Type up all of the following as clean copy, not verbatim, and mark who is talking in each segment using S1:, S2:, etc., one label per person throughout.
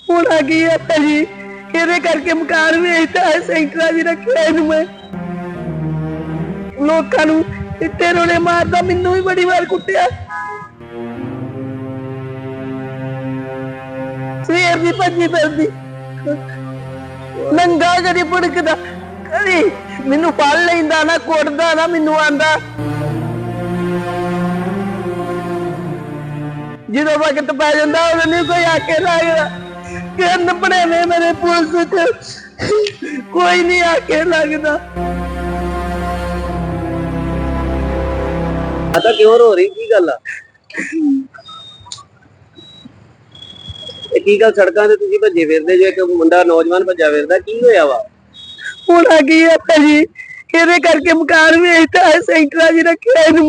S1: ਹੋਣਾ ਕੀ ਹੈ ਭਾਜੀ, ਇਹਦੇ ਕਰਕੇ ਮਕਾਨ ਵੇਚਦਾ ਹੈ, ਸੈਂਟਰਾਂ ਵੀ ਰੱਖਿਆ ਇਹਨੂੰ ਮੈਂ। ਲੋਕਾਂ ਨੂੰ ਇੱਟੇ ਰੋਲੇ ਮਾਰਦਾ, ਮੈਨੂੰ ਵੀ ਬੜੀ ਵਾਰ ਕੁੱਟਿਆ। ਸਵੇਰ ਦੀ ਭੱਜੀ ਫਿਰਦੀ, ਨੰਗਾ ਕਦੀ ਭੁੜਕਦਾ, ਕਦੀ ਮੈਨੂੰ ਫੜ ਲੈਂਦਾ ਨਾ, ਕੁੱਟਦਾ ਨਾ, ਮੈਨੂੰ ਆਂਦਾ ਜਦੋਂ ਵਕਤ ਪੈ ਜਾਂਦਾ ਉਦੋਂ ਨਹੀਂ ਕੋਈ ਆ ਕੇ ਲੱਗਦਾ। ਕਿੰਨ ਬਣੇ ਨੇ ਮੇਰੇ ਪੁਲਿਸ ਚ, ਕੋਈ ਨਹੀਂ ਆ ਕੇ ਲੱਗਦਾ।
S2: आता क्यों रो रही की गल आ? की गल सड़कों ते तुसीं भज्जे फिरदे जो, एक मुंडा नौजवान भज्जा फिरदा, की होया वा?
S1: होना की है भाजी, ਇਹਦੇ ਕਰਕੇ ਮਕਾਨ ਵੇਚਦਾ ਹੈ, ਸੈਂਟਰਾਂ 'ਚ ਰੱਖਿਆ ਇਹਨੂੰ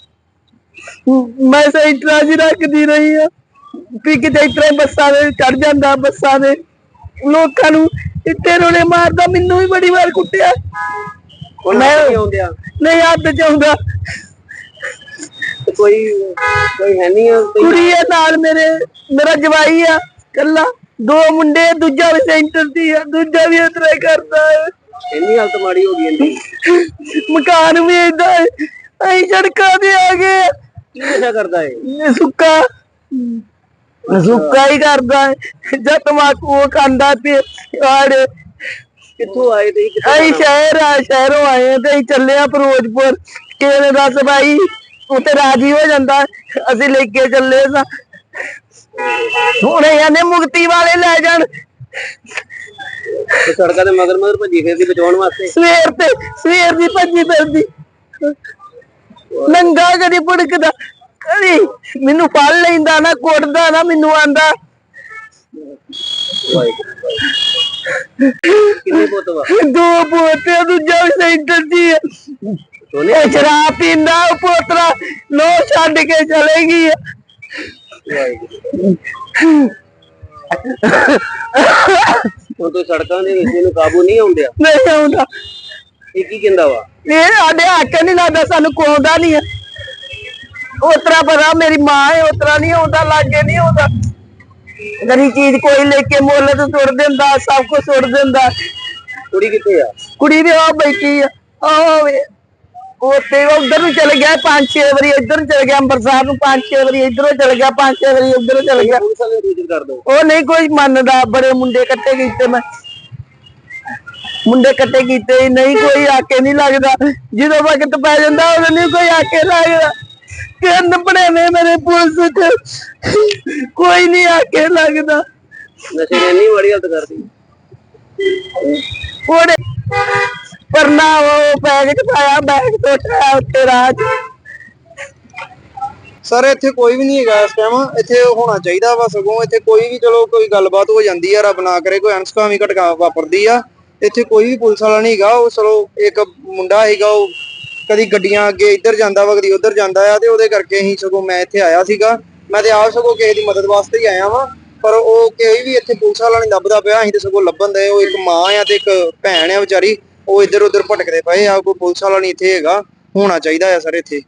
S1: ਮੈਂ ਸੈਂਟਰਾਂ 'ਚ ਰੱਖਦੀ ਰਹੀ ਆ ਵੀ ਕਿਤੇ ਇਸ ਤਰ੍ਹਾਂ ਬੱਸਾਂ ਦੇ ਚੜ ਜਾਂਦਾ, ਬੱਸਾਂ ਦੇ ਲੋਕਾਂ ਨੂੰ ਇੱਟੇ ਰੋਲੇ ਮਾਰਦਾ, ਮੈਨੂੰ ਵੀ ਬੜੀ ਵਾਰ ਕੁੱਟਿਆ। ਮੈਂ ਨਹੀਂ ਹੱਥ ਚ ਆਉਂਦਾ,
S2: कोई कोई है नहीं है,
S1: ਕੁੜੀ ਹੈ ਨਾਲ ਮੇਰਾ ਜਵਾਈ ਆ ਕੱਲਾ, ਦੋ ਮੁੰਡੇ, ਦੂਜਾ ਵੀ ਸੈਂਟਰ ਦੀ ਆ, ਦੂਜਾ ਵੀ ਇਸ ਤਰ੍ਹਾਂ ਹੀ ਕਰਦਾ ਹੈ।
S2: ਇੰਨੀ ਹਾਲਤ ਮਾੜੀ ਹੋ ਗਈ ਇੰਨੀ,
S1: ਮਕਾਨ ਵੇਚਦਾ ਹੈ, ਅਸੀਂ ਸੜਕਾਂ ਤੇ ਆ ਗਏ।
S2: ਕੀ ਨਸ਼ਾ ਕਰਦਾ ਹੈ?
S1: ਸੁੱਕਾ ਹੀ ਕਰਦਾ ਹੈ, ਜਦ ਤਮਾਕੂ ਖਾਂਦਾ ਤੇ ਆੜੇ।
S2: ਕਿੱਥੋਂ ਆਏ ਤੇ
S1: ਅਸੀਂ ਸ਼ਹਿਰੋਂ ਆਏ ਤੇ ਅਸੀਂ ਚੱਲੇ ਆ ਫਿਰੋਜ਼ਪੁਰ। ਕਿਸੇ ਨੇ ਦੱਸ ਭਾਈ ਉੱਥੇ ਰਾਜੀ ਹੋ ਜਾਂਦਾ, ਅਸੀਂ ਲੈ ਕੇ ਚੱਲੇ ਸਾਂ। ਹੁਣ ਇਹਨੇ ਮੁਕਤੀ ਵਾਲੇ ਲੈ ਜਾਣ,
S2: ਸੜਕਾਂ ਤੇ ਮਗਰ ਮਗਰ ਭੱਜੀ ਫਿਰਦੀ ਬਚਾਉਣ ਵਾਸਤੇ।
S1: ਸਵੇਰ ਦੀ ਭੱਜੀ ਫਿਰਦੀ, ਨੰਗਾ ਕਦੀ ਭੁੜਕਦਾ, ਕਦੀ ਮੈਨੂੰ ਫੜ ਲੈਂਦਾ ਨਾ, ਕੁੱਟਦਾ ਨਾ, ਮੈਨੂੰ ਆਂਦਾ।
S2: ਕਿੰਨੇ ਪੁੱਤ ਵਾ?
S1: ਦੋ ਪੋਤੇ, ਦੂਜਾ ਵੀ ਸੈਂਟਰ ਦੀ ਹੈ। ਸ਼ਰਾਬ ਪੀਂਦਾ ਉਹ ਪੋਤਰਾ, ਲੋ ਛੱਡ ਕੇ ਚਲੇ ਗਈ।
S2: ਹੁਣ ਤੋਂ ਸੜਕਾਂ ਦੇ ਵਿੱਚ ਇਹਨੂੰ ਕਾਬੂ ਨਹੀਂ ਆਉਂਦਿਆ?
S1: ਨਹੀਂ ਆਉਂਦਾ।
S2: ਇਹ ਕੀ ਕਹਿੰਦਾ ਵਾ?
S1: ਇਹ ਸਾਡੇ ਹੱਕ ਨਹੀਂ ਲੱਗਦਾ, ਸਾਨੂੰ ਕੋਉਂਦਾ ਨਹੀਂ ਹੈ। ਉਤਰਾ ਪਤਾ ਮੇਰੀ ਮਾਂ ਹੈ, ਉਤਰਾ ਨਹੀਂ ਆਉਂਦਾ, ਲਾਗੇ ਨਹੀਂ ਆਉਂਦਾ। ਗਰੀ ਚੀਜ਼ ਕੋਈ ਲੈ ਕੇ ਮੁੱਲ ਤੇ ਸੁੱਟ ਦਿੰਦਾ, ਸਭ ਕੁਝ ਸੁੱਟ ਦਿੰਦਾ।
S2: ਕੁੜੀ ਕਿੱਥੇ ਆ?
S1: ਕੁੜੀ ਵੀ ਆ ਬੈਠੀ ਆ, ਉੱਥੇ ਉਧਰ ਨੂੰ ਚਲ ਗਿਆ 5-6 ਵਾਰੀ, ਇੱਧਰ ਨੂੰ ਚਲ ਗਿਆ ਅੰਮ੍ਰਿਤਸਰ ਨੂੰ 5-6 ਵਾਰੀ, ਇੱਧਰੋਂ ਚਲ ਗਿਆ 5-6 ਵਾਰੀ, ਉੱਧਰੋਂ ਚਲ ਗਿਆ। ਉਹ ਨਹੀਂ ਕੋਈ ਮੰਨਦਾ, ਬੜੇ ਮੁੰਡੇ ਇਕੱਠੇ ਕੀਤੇ, ਮੈਂ ਮੁੰਡੇ ਇਕੱਠੇ ਕੀਤੇ, ਨਹੀਂ ਕੋਈ ਆ ਕੇ ਨਹੀਂ ਲੱਗਦਾ। ਜਦੋਂ ਵਕਤ ਪੈ ਜਾਂਦਾ ਉਦੋਂ ਨਹੀਂ ਕੋਈ ਆ ਕੇ ਲੱਗਦਾ। ਕਿੰਨ ਬਣੇ ਨੇ ਮੇਰੇ ਪੁਲਿਸ ਚ, ਕੋਈ ਨਹੀਂ ਆ ਕੇ ਲੱਗਦਾ।
S2: ਨਸ਼ੇ ਨੇ ਇੰਨੀ ਮਾੜੀ ਹਾਲਤ ਕਰਦੀ
S1: ਉਹਨੇ ਪਰਨਾ ਉਹ ਬੈਗ ਚ ਪਾਇਆ, ਬੈਗ ਟੁੱਟਿਆ ਉੱਤੇ ਰਾਹ ਚ।
S3: ਸਰ ਇੱਥੇ ਕੋਈ ਵੀ ਨਹੀਂ ਹੈਗਾ ਇਸ ਟਾਈਮ, ਇੱਥੇ ਹੋਣਾ ਚਾਹੀਦਾ ਵਾ ਸਗੋਂ। ਇੱਥੇ ਕੋਈ ਵੀ ਚਲੋ ਕੋਈ ਗੱਲਬਾਤ ਹੋ ਜਾਂਦੀ ਆ, ਰੱਬ ਨਾ ਕਰੇ ਕੋਈ ਅਣਸੁਖਾਵੀਂ ਘਟਨਾ ਵਾਪਰਦੀ ਆ, ਇੱਥੇ ਕੋਈ ਵੀ ਪੁਲਿਸ ਵਾਲਾ ਨਹੀਂ ਹੈਗਾ। ਉਹ ਚਲੋ ਇੱਕ ਮੁੰਡਾ ਹੈਗਾ, ਉਹ ਕਦੀ ਗੱਡੀਆਂ ਅੱਗੇ ਇੱਧਰ ਜਾਂਦਾ ਵਾ, ਕਦੀ ਉੱਧਰ ਜਾਂਦਾ ਆ, ਤੇ ਉਹਦੇ ਕਰਕੇ ਅਸੀਂ ਸਗੋਂ ਮੈਂ ਇੱਥੇ ਆਇਆ ਸੀਗਾ। ਮੈਂ ਤੇ ਆਪ ਸਗੋਂ ਕਿਸੇ ਦੀ ਮਦਦ ਵਾਸਤੇ ਹੀ ਆਇਆ ਵਾਂ, ਪਰ ਉਹ ਕੋਈ ਵੀ ਇੱਥੇ ਪੁਲਿਸ ਵਾਲਾ ਨਹੀਂ ਲੱਭਦਾ ਪਿਆ। ਅਸੀਂ ਤੇ ਸਗੋਂ ਲੱਭਣ ਦੇ, ਉਹ ਇੱਕ ਮਾਂ ਆ ਤੇ ਇੱਕ ਭੈਣ ਆ ਵਿਚਾਰੀ, ਉਹ ਇੱਧਰ ਉੱਧਰ ਭਟਕਦੇ ਪਏ ਆ। ਕੋਈ ਪੁਲਿਸ ਵਾਲਾ ਨਹੀਂ ਇੱਥੇ ਹੈਗਾ, ਹੋਣਾ ਚਾਹੀਦਾ ਆ ਸਰ ਇੱਥੇ।